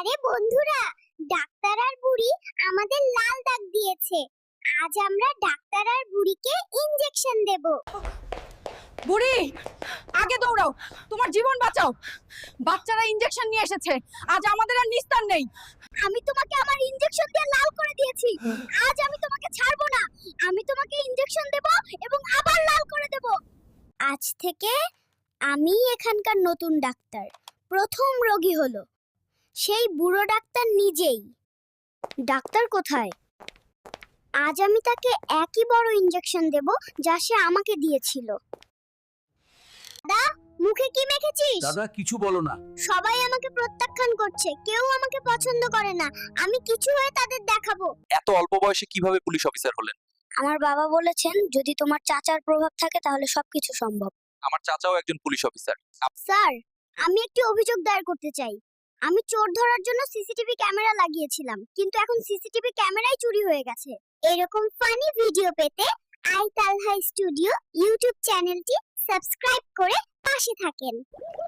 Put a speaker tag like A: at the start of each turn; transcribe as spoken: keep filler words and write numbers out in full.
A: আরে বন্ধুরা, ডাক্তার আর বুড়ি আমাদের লাল দাগ দিয়েছে। আজ আমরা ডাক্তার আর বুড়িকে ইনজেকশন দেব।
B: বুড়ি, আগে দৌড়াও, তোমার জীবন বাঁচাও। বাচ্চারা ইনজেকশন নিয়ে এসেছে, আজ আমাদের আর নিস্তার নেই।
A: আমি তোমাকে আমার ইনজেকশন দিয়ে লাল করে দিয়েছি, আজ আমি তোমাকে ছাড়বো না। আমি তোমাকে ইনজেকশন দেব এবং আবার লাল করে দেব। আজ থেকে আমি এখানকার নতুন ডাক্তার। প্রথম রোগী হলো সেই বুড়ো ডাক্তার নিজেই। ডাক্তার কোথায়? আজ আমি তাকে একই বড় ইনজেকশন দেব যা সে আমাকে দিয়েছিল। দাদা, মুখে কি মেখেছিস?
C: দাদা কিছু বলো না।
A: সবাই আমাকে প্রত্যাখ্যান করছে, কেউ আমাকে পছন্দ করে না। আমি কিছু হয়ে তাদের দেখাবো।
C: এত অল্প বয়সে কিভাবে পুলিশ অফিসার হলেন?
A: আমার বাবা বলেছেন যদি তোমার চাচার প্রভাব থাকে তাহলে সবকিছু সম্ভব।
C: আমার চাচাও একজন পুলিশ অফিসার।
A: স্যার, আমি একটি অভিযোগ দায়ের করতে চাই। আমি চোর ধরার জন্য সিসিটিভি ক্যামেরা লাগিয়েছিলাম, কিন্তু এখন সিসিটিভি ক্যামেরাই চুরি হয়ে গেছে। এরকম ফানি ভিডিও পেতে আই তালহা স্টুডিও ইউটিউব চ্যানেলটি সাবস্ক্রাইব করে পাশে থাকেন।